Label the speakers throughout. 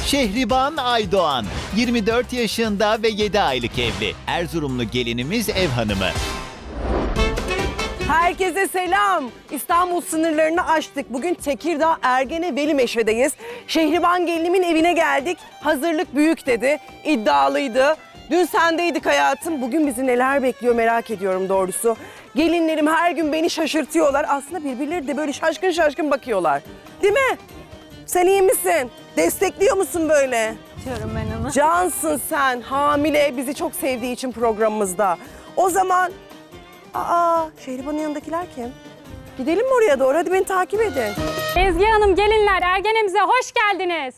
Speaker 1: Şehriban Aydoğan, 24 yaşında ve 7 aylık evli. Erzurumlu gelinimiz ev hanımı.
Speaker 2: Herkese selam. İstanbul sınırlarını aştık. Bugün Tekirdağ Ergene Velimeşe'deyiz. Şehriban gelinimin evine geldik. Hazırlık büyük dedi. İddialıydı. Dün sendeydik hayatım. Bugün bizi neler bekliyor merak ediyorum doğrusu. Gelinlerim her gün beni şaşırtıyorlar. Aslında birbirleri de böyle şaşkın şaşkın bakıyorlar. Değil mi? Sen iyi misin? Destekliyor musun böyle?
Speaker 3: Diyorum ben onu.
Speaker 2: Cansın sen. Hamile. Bizi çok sevdiği için programımızda. O zaman... Şehriban'ın yanındakiler kim? Gidelim mi oraya doğru? Hadi beni takip edin.
Speaker 3: Ezgi Hanım, gelinler, Ergenemize hoş geldiniz.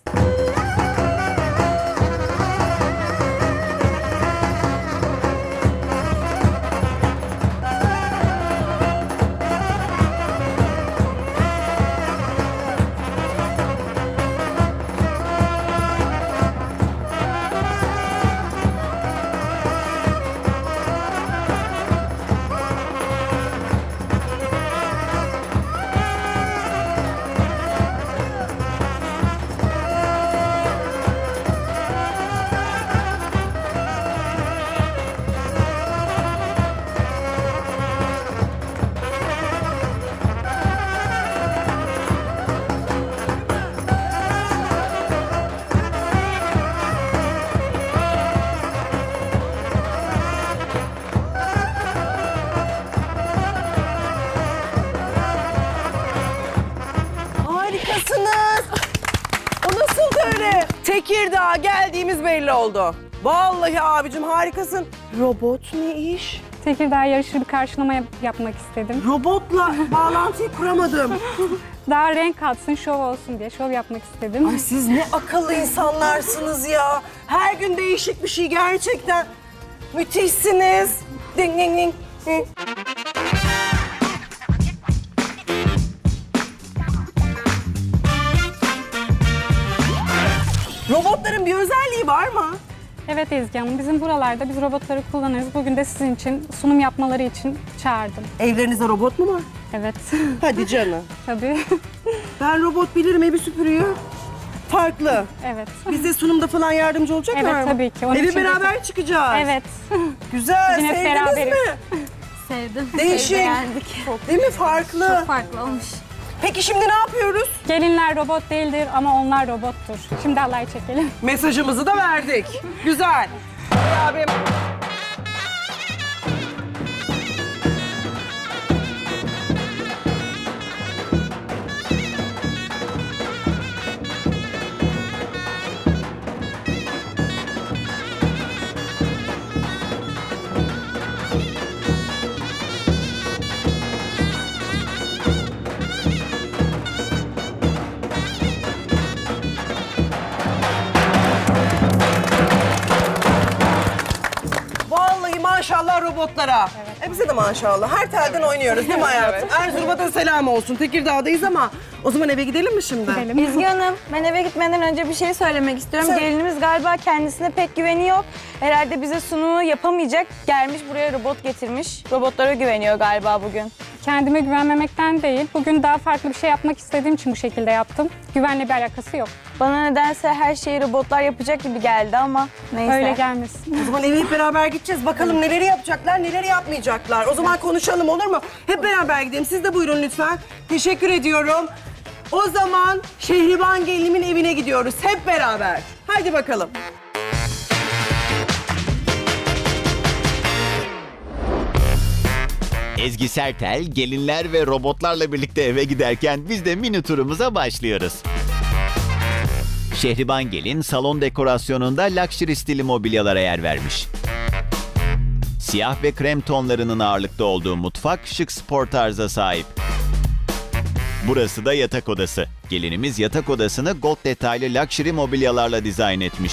Speaker 2: Harikasınız. O nasıl öyle? Tekirdağ geldiğimiz belli oldu. Vallahi abicim harikasın. Robot ne iş?
Speaker 3: Tekirdağ yarışır bir karşılama yapmak istedim.
Speaker 2: Robotla bağlantıyı kuramadım.
Speaker 3: Daha renk katsın, şov olsun diye şov yapmak istedim.
Speaker 2: Ay siz ne akıllı insanlarsınız ya. Her gün değişik bir şey gerçekten. Müthişsiniz. Ding ding ding. Ding. Robotların bir özelliği var mı?
Speaker 3: Evet Ezgi Hanım, bizim buralarda biz robotları kullanırız. Bugün de sizin için sunum yapmaları için çağırdım.
Speaker 2: Evlerinizde robot mu var?
Speaker 3: Evet,
Speaker 2: Hadi canım.
Speaker 3: tabii.
Speaker 2: Ben robot bilirim, evi süpürüyor. Farklı.
Speaker 3: Evet.
Speaker 2: Bize sunumda falan yardımcı olacaklar
Speaker 3: Evet,
Speaker 2: mı?
Speaker 3: tabii ki. Onun
Speaker 2: Evi
Speaker 3: için
Speaker 2: beraber çıkacağız.
Speaker 3: Evet.
Speaker 2: Güzel,
Speaker 3: Bugün hep
Speaker 2: sevdiniz
Speaker 3: beraberiz.
Speaker 2: mi?
Speaker 4: Sevdim.
Speaker 2: Değişik.
Speaker 4: Beğendik.
Speaker 2: Değil mi? Farklı.
Speaker 4: Çok farklı olmuş.
Speaker 2: Peki şimdi ne yapıyoruz?
Speaker 3: Gelinler robot değildir ama onlar robottur. Şimdi halay çekelim.
Speaker 2: Mesajımızı da verdik. Güzel. Abim. Vallahi maşallah robotlara. Bize de maşallah. Her telden oynuyoruz değil mi hayatım? Erzurum'a da selam olsun. Tekirdağ'dayız ama o zaman eve gidelim mi şimdi?
Speaker 3: Gidelim.
Speaker 4: İzgi Hanım, ben eve gitmeden önce bir şey söylemek istiyorum.
Speaker 2: Söyle.
Speaker 4: Gelinimiz galiba kendisine pek güveni yok. Herhalde bize sunumu yapamayacak. Gelmiş buraya robot getirmiş. Robotlara güveniyor galiba bugün.
Speaker 3: Kendime güvenmemekten değil, bugün daha farklı bir şey yapmak istediğim için bu şekilde yaptım. Güvenle bir alakası yok.
Speaker 4: Bana nedense her şeyi robotlar yapacak gibi geldi ama neyse.
Speaker 3: Öyle gelmesin.
Speaker 2: O zaman eve hep beraber gideceğiz. Bakalım neleri yapacaklar, neleri yapmayacaklar. O zaman konuşalım olur mu? Hep beraber gidelim. Siz de buyurun lütfen. Teşekkür ediyorum. O zaman Şehriban gelinimin evine gidiyoruz. Hep beraber. Haydi bakalım.
Speaker 1: Ezgi Sertel, gelinler ve robotlarla birlikte eve giderken biz de mini turumuza başlıyoruz. Şehriban gelin salon dekorasyonunda luxury stili mobilyalara yer vermiş. Siyah ve krem tonlarının ağırlıkta olduğu mutfak şık spor tarza sahip. Burası da yatak odası. Gelinimiz yatak odasını gold detaylı luxury mobilyalarla dizayn etmiş.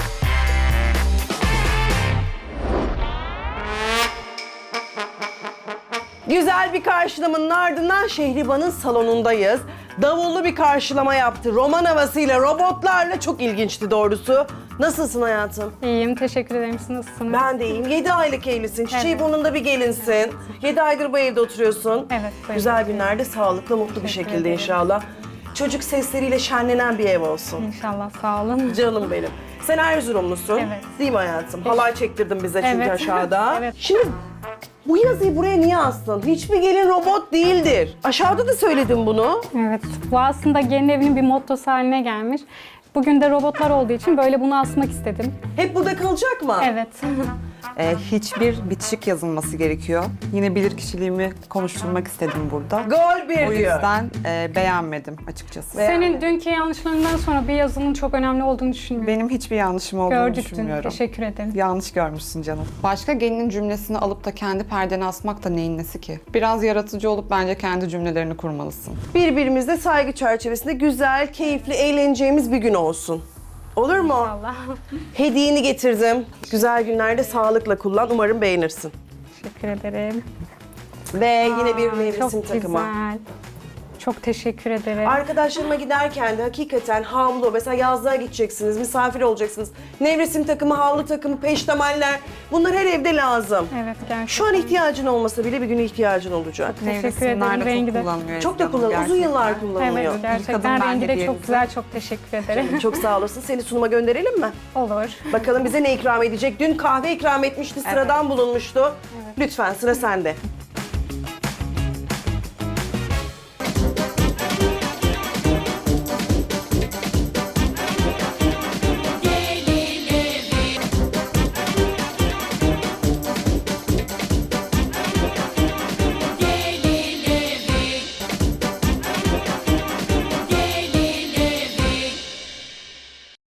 Speaker 2: Güzel bir karşılamanın ardından Şehriban'ın salonundayız. Davullu bir karşılama yaptı. Roman havasıyla, robotlarla çok ilginçti doğrusu. Nasılsın hayatım?
Speaker 3: İyiyim, teşekkür ederim. Siz nasılsınız?
Speaker 2: Ben de iyiyim. 7 aylık evlisin. Çiçeği
Speaker 3: Evet.
Speaker 2: burnunda bir gelinsin. 7 aydır bu evde oturuyorsun.
Speaker 3: Evet, böyle.
Speaker 2: Güzel günlerde sağlıklı, mutlu bir
Speaker 3: Teşekkür
Speaker 2: şekilde
Speaker 3: ederim.
Speaker 2: inşallah. çocuk sesleriyle şenlenen bir ev olsun.
Speaker 3: İnşallah, sağ olun.
Speaker 2: Canım benim. Sen Erzurumlusun.
Speaker 3: Evet.
Speaker 2: Değil mi hayatım? Halay çektirdin bize çünkü
Speaker 3: Evet.
Speaker 2: aşağıda.
Speaker 3: Evet.
Speaker 2: Şimdi bu yazıyı buraya niye astın? Hiçbir gelin robot değildir. Aşağıda da söyledim bunu.
Speaker 3: Evet, bu aslında gelin evinin bir mottosu haline gelmiş. Bugün de robotlar olduğu için böyle bunu asmak istedim.
Speaker 2: Hep burada kalacak mı?
Speaker 3: Evet.
Speaker 5: Hiçbir bitişik yazılması gerekiyor. Yine bilirkişiliğimi konuşturmak istedim burada.
Speaker 2: Gol bir
Speaker 5: O
Speaker 2: diyor.
Speaker 5: yüzden beğenmedim açıkçası.
Speaker 3: Senin dünkü yanlışlarından sonra bir yazının çok önemli olduğunu düşünmüyorum.
Speaker 5: Benim hiçbir yanlışım olduğunu
Speaker 3: Gördük dün.
Speaker 5: düşünmüyorum.
Speaker 3: Teşekkür ederim.
Speaker 5: Yanlış görmüşsün canım. Başka gelinin cümlesini alıp da kendi perdeni asmak da neyin nesi ki? Biraz yaratıcı olup bence kendi cümlelerini kurmalısın.
Speaker 2: Birbirimizle saygı çerçevesinde güzel, keyifli, eğleneceğimiz bir gün olsun. Olur mu?
Speaker 3: Allah.
Speaker 2: Hediyeni getirdim. Güzel günlerde sağlıkla kullan. Umarım beğenirsin.
Speaker 3: Teşekkür ederim.
Speaker 2: Ve yine bir
Speaker 3: Çok
Speaker 2: nevresim takımı.
Speaker 3: güzel. Çok teşekkür ederim.
Speaker 2: Arkadaşlarıma giderken de hakikaten havlu, mesela yazlığa gideceksiniz, misafir olacaksınız. Nevresim takımı, havlu takımı, peştemaller, bunlar her evde lazım.
Speaker 3: Evet, gerçekten.
Speaker 2: Şu an ihtiyacın olmasa bile bir gün ihtiyacın olacak.
Speaker 3: Teşekkür ederim,
Speaker 5: Nevresimler de
Speaker 3: rengi de.
Speaker 5: çok kullanılıyor.
Speaker 2: Çok da
Speaker 5: Ezgi Hanım,
Speaker 2: kullanılıyor, uzun
Speaker 5: gerçekten.
Speaker 2: yıllar kullanılıyor.
Speaker 3: Evet, gerçekten
Speaker 5: Yıkadım ben
Speaker 3: rengi de
Speaker 5: hediyenizi.
Speaker 3: çok güzel. Çok teşekkür ederim.
Speaker 2: Çok sağ olasın. Seni sunuma gönderelim mi?
Speaker 3: Olur.
Speaker 2: Bakalım bize ne ikram edecek? Dün kahve ikram etmişti, sıradan bulunmuştu. Lütfen sıra sende.